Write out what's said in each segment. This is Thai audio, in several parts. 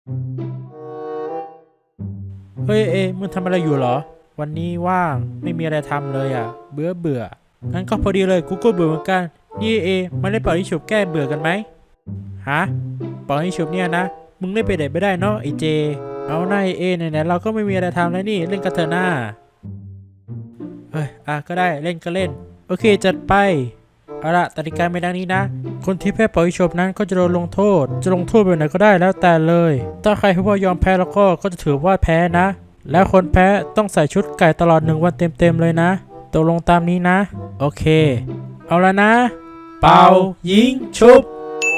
เฮ้ยมึงทำอะไรอยู่เหรอวันนี้ว่างไม่มีอะไรทำเลยอ่ะเบื่องั้นก็พอดีเลยกูก็เบื่อเหมือนกันนี่มาเล่นเป่ายิงฉุบแก้เบื่อกันไหมฮะเป่ายิงฉุบเนี่ยนะมึงเล่นไปไหนไม่ได้เนาะไอเจเอาหน้าไหนๆเราก็ไม่มีอะไรทำแล้วนี่เล่นกันเถอะหน้าเฮ้ยก็ได้เล่นก็เล่นโอเคจัดไปเอาละกติกาไม่ดังนี้นะคนที่แพ้เป่ายิงฉุบนั้นก็จะโดนลงโทษจะลงโทษแบบไหนก็ได้แล้วแต่เลยถ้าใครพูดว่ายอมแพ้แล้วก็จะถือว่าแพ้นะแล้วคนแพ้ต้องใส่ชุดไก่ตลอด1 วันเต็มเลยนะตกลงตามนี้นะโอเคเอาละนะเป่ายิงฉุบ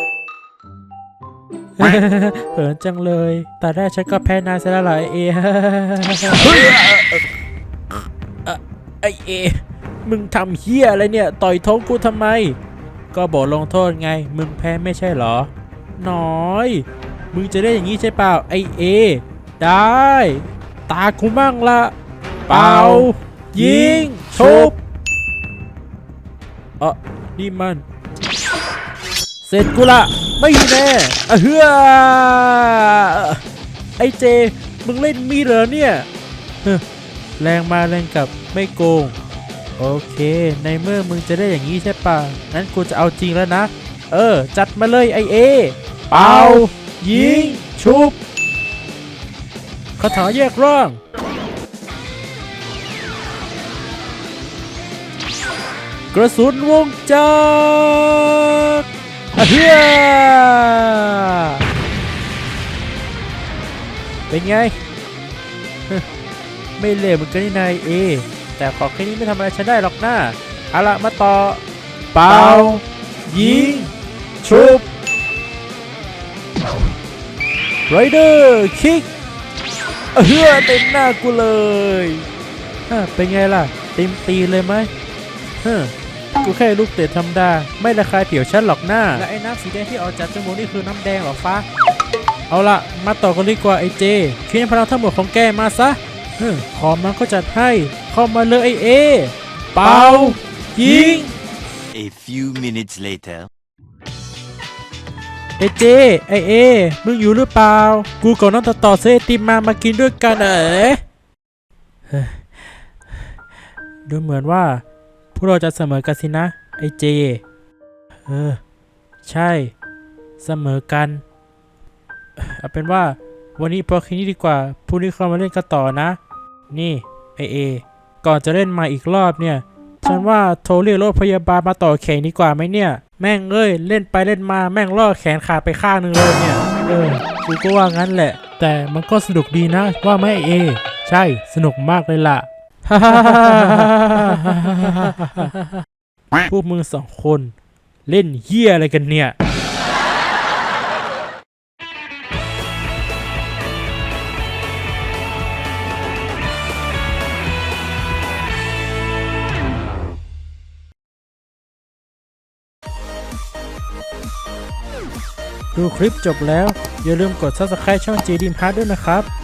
เหินจังเลยแต่แรกฉันก็แพ้นายซะแล้วเหรอไอมึงทำเฮี้ยอะไรเนี่ยต่อยท้องกูทำไมก็บอกลงโทษไงมึงแพ้ไม่ใช่เหรอน้อยมึงจะได้อย่างนี้ใช่เปล่าไอได้ตากูมั่งละเป่ายิงชุบนี่มันเสร็จกูละไม่แน่เฮือไอเจมึงเล่นมีดเหรอเนี่ยแรงมาแรงกลับไม่โกงโอเคในเมื่อมึงจะได้อย่างนี้ใช่ป่ะงั้นกูจะเอาจริงแล้วนะจัดมาเลยไอเป่ายิงชุบคาถาแยกร่างกระสุนวงจักรเฮียเป็นไง ไม่เลวเหมือนกันนี่นายแต่ขอแค่นี้ไม่ทำอะไรฉันได้หรอกนะเอาละมาต่อเป่ายิงชุบไรเดอร์คิกเฮือเต็มหน้ากูเลยเป็นไงล่ะเต็มตีเลยไหมกูแค่ลูกเตะธรรมดาไม่ระคายผิวฉันหรอกหน้าและไอ้น้ำสีแดงที่ออกจากจมูกนี่คือน้ำแดงหรอฟ้าเอาละมาต่อกันดีกว่าไอเจคิดพลังทั้งหมดของแกมาซะขอมันก็จัดให้เข้ามาเลยไอเป่ายิง A few minutes later ไอเจไอมึงอยู่หรือเปล่ากูกับน้องต่อเซติมมากินด้วยกันดูเหมือนว่าพวกเราจะเสมอกันสินะไอเจใช่เสมอกันเอาเป็นว่าวันนี้พอแค่นี้ดีกว่าพรุ่งนี้เรามาเล่นกันต่อนะนี่ไอก่อนจะเล่นมาอีกรอบเนี่ยฉันว่าโทรเรียกรถพยาบาลมาต่อแขนดีกว่าไหมเนี่ยแม่งเล่นไปเล่นมาแม่งล่อแขนขาดไปข้างนึงเลยเนี่ยกูก็ว่างั้นแหละแต่มันก็สนุกดีนะว่าไหมไอใช่สนุกมากเลยล่ะ พวกมึง2 คนเล่นเหี้ยอะไรกันเนี่ยดูคลิปจบแล้วอย่าลืมกด Subscribe ช่อง JDreamHeart ด้วยนะครับ